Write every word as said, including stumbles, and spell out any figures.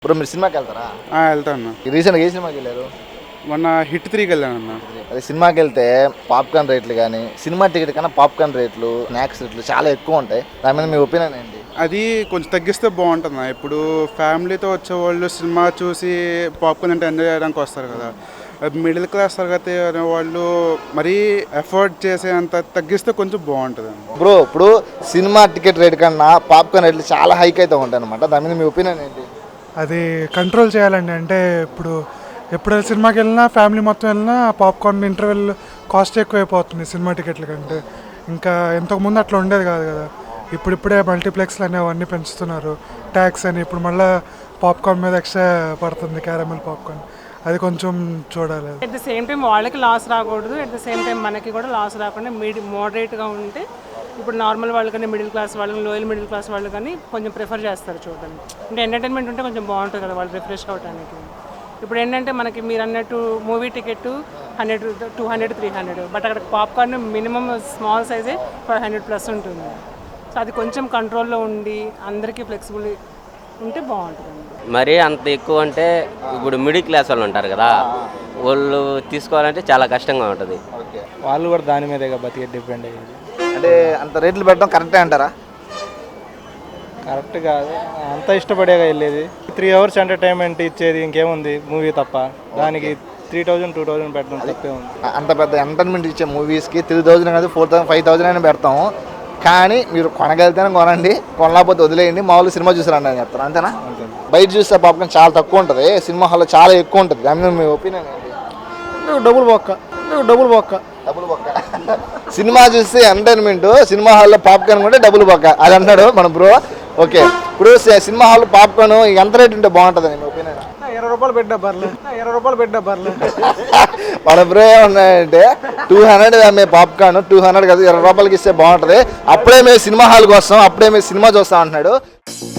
Bro మీరు సినిమాకి వెళ్తారా? వెళ్తాను. రీసెంట్గా ఏ సినిమాకి వెళ్ళారు? మొన్న హిట్ త్రీకి వెళ్ళానన్న. అదే సినిమాకి వెళ్తే పాప్కార్న్ రేట్లు కానీ సినిమా టికెట్ కన్నా పాప్కార్న్ రేట్లు స్నాక్స్ రేట్లు చాలా ఎక్కువ ఉంటాయి. దాని మీద మీ ఒపీనియన్ ఏంటి? అది కొంచెం తగ్గిస్తే బాగుంటుంది. ఇప్పుడు ఫ్యామిలీతో వచ్చేవాళ్ళు సినిమా చూసి పాప్కార్న్ అంటే ఎంజాయ్ చేయడానికి వస్తారు కదా. మిడిల్ క్లాస్ తరగతి అనే వాళ్ళు మరీ ఎఫర్ట్ చేసేంత తగ్గిస్తే కొంచెం బాగుంటుంది. బ్రో ఇప్పుడు సినిమా టికెట్ రేట్ కన్నా పాప్కార్న్ రేట్లు చాలా హైక్ అయితే ఉంటాయి అనమాట. దాని మీద మీ ఒపీనియన్ ఏంటి? అది కంట్రోల్ చేయాలండి. అంటే ఇప్పుడు ఎప్పుడు సినిమాకి వెళ్ళినా ఫ్యామిలీ మొత్తం వెళ్ళినా పాప్కార్న్ ఇంటర్వెల్ కాస్ట్ ఎక్కువైపోతుంది సినిమా టికెట్ల కంటే. ఇంకా ఇంతకుముందు అట్లా ఉండేది కాదు కదా. ఇప్పుడిప్పుడే మల్టీప్లెక్స్లు అనేవి అవన్నీ పెంచుతున్నారు, ట్యాక్స్ అని. ఇప్పుడు మళ్ళీ పాప్కార్న్ మీద ఎక్స్ట్రా పడుతుంది, క్యారమెల్ పాప్కార్న్. అది కొంచెం చూడాలి. అట్ ద సేమ్ టైం వాళ్ళకి లాస్ రాకూడదు, అట్ ద సేమ్ టైం మనకి కూడా లాస్ రాకుండా మీడి మోడరేట్గా ఉంటే ఇప్పుడు నార్మల్ వాళ్ళు కానీ మిడిల్ క్లాస్ వాళ్ళు లోయల్ మిడిల్ క్లాస్ వాళ్ళు కానీ కొంచెం ప్రిఫర్ చేస్తారు చూడడానికి. అంటే ఎంటర్టైన్మెంట్ ఉంటే కొంచెం బాగుంటుంది కదా వాళ్ళు రిఫ్రెష్ అవ్వడానికి. ఇప్పుడు ఏంటంటే మనకి మీరు అన్నట్టు movie ticket hundred two hundred three hundred but అక్కడ పాప్కార్న్ మినిమం స్మాల్ సైజే ఫైవ్ హండ్రెడ్ ప్లస్ ఉంటుంది. సో అది కొంచెం కంట్రోల్లో ఉండి అందరికీ ఫ్లెక్సిబుల్ ఉంటే బాగుంటుంది. మరీ అంత ఎక్కువ అంటే ఇప్పుడు మిడిల్ క్లాస్ వాళ్ళు ఉంటారు కదా, వాళ్ళు తీసుకోవాలంటే చాలా కష్టంగా ఉంటుంది. వాళ్ళు కూడా దాని మీదే బతికే డిపెండ్ అయ్యేది. అంటే అంత రేట్లు పెట్టడం కరెక్టే అంటారా? కరెక్ట్ కాదు, అంత ఇష్టపడేగా వెళ్ళేది. త్రీ అవర్స్ ఎంటర్టైన్మెంట్ ఇచ్చేది ఇంకేముంది మూవీ తప్ప. దానికి త్రీ థౌజండ్ టూ థౌజండ్ పెట్టడం తప్పే ఉంది. అంత పెద్ద ఎంటర్టైన్మెంట్ ఇచ్చే మూవీస్కి త్రీ థౌజండ్ కాదు ఫోర్ థౌసండ్ ఫైవ్ థౌసండ్ అయినా పెడతాము. కానీ మీరు కొనగలితేనే కొనండి, కొనలేకపోతే వదిలేయండి, మామూలు సినిమా చూసారండి అని చెప్తారు. అంతేనా? బయట చూస్తే పాప్కార్న్ చాలా తక్కువ ఉంటుంది, సినిమా హాల్లో చాలా ఎక్కువ ఉంటుంది. దాని మీద మీ ఒపీనియన్ ఏంటి? డబుల్ బొక్క డబుల్ బొక్క డబుల్ బొక్క. సినిమా చూస్తే ఎంటర్టైన్మెంట్, సినిమా హాల్లో పాప్కార్న్ కూడా డబుల్ బొక్క అది అన్నాడు మన బ్రో. ఓకే, ఇప్పుడు సినిమా హాల్ పాప్కార్న్ ఎంత రేట్ ఉంటే బాగుంటుంది మీ ఒపీనియన్? ఇరవై రూపాయలు పెట్టా బర్లే ఇరవై రూపాయలు పెట్టా బర్లే మన బ్రో ఏమన్నాయంటే టూ హండ్రెడ్ మేము పాప్కార్న్ టూ హండ్రెడ్ కదా ఇరవై రూపాయలకి ఇస్తే బాగుంటుంది, అప్పుడే మేము సినిమా హాల్కి వస్తాం, అప్పుడే మేము సినిమా చూస్తాం అంటున్నాడు.